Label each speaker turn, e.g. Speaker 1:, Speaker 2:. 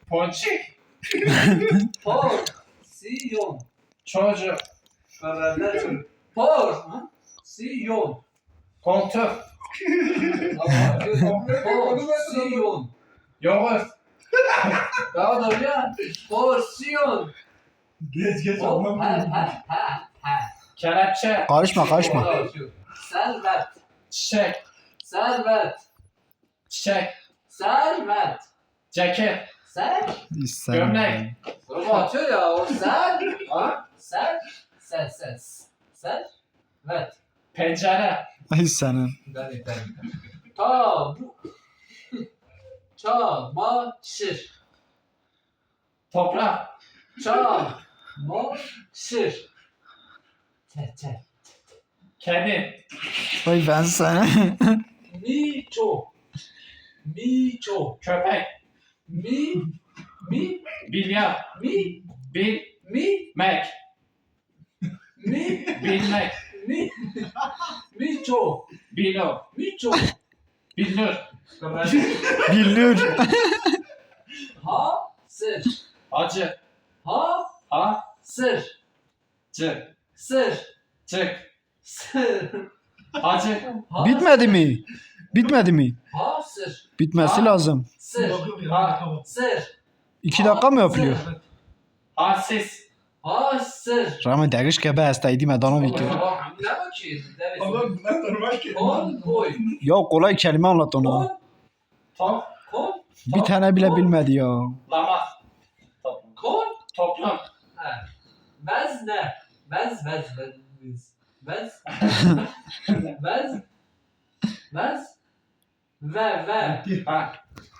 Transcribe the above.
Speaker 1: Ponçik.
Speaker 2: Porsiyon.
Speaker 1: Çocuk.
Speaker 2: Beraber çocuk. Porsiyon.
Speaker 1: Koltuk.
Speaker 2: Porsiyon.
Speaker 1: Yoğurt.
Speaker 2: Daha doğru ya. Porsiyon.
Speaker 3: Geç
Speaker 1: Kelepçe.
Speaker 4: Karışma.
Speaker 2: Servet.
Speaker 1: Çiçek.
Speaker 2: Servet.
Speaker 1: Çiçek.
Speaker 2: Servet.
Speaker 1: Ceket. Gömlek.
Speaker 2: Soru atıyor ya o servet.
Speaker 1: Pencere.
Speaker 4: Ay senin.
Speaker 2: Ben. Tabu. Çamaşır.
Speaker 1: Toprak.
Speaker 2: Çamaşır.
Speaker 1: Kedi.
Speaker 4: Ay ben sana.
Speaker 2: Miço.
Speaker 1: Köpek.
Speaker 2: Mi.
Speaker 1: Bilyar. Bilmek. Bilmek.
Speaker 2: Miço.
Speaker 1: Bilo. Billur.
Speaker 4: Billur.
Speaker 2: Hasır.
Speaker 1: Acı.
Speaker 2: Hasır.
Speaker 1: Cı.
Speaker 2: Sır.
Speaker 1: Cık.
Speaker 2: Sır.
Speaker 1: Acı.
Speaker 4: Bitmedi mi?
Speaker 2: Hasır.
Speaker 4: Bitmesi lazım.
Speaker 2: Sır. Sır.
Speaker 4: 2 dakika mı yapılıyor?
Speaker 1: Halsiz.
Speaker 2: Hasır.
Speaker 4: Rami dəqiq qəbə hastaydı mədana video.
Speaker 2: Bak ne bakıyorsun? Konvoy.
Speaker 4: Ya kolay kelime anlat ona.
Speaker 1: Top.
Speaker 4: Bir tane bile bilmedi ya.
Speaker 1: Lama. Toplum.
Speaker 2: Vezne. Vez. Ve.
Speaker 1: Ha.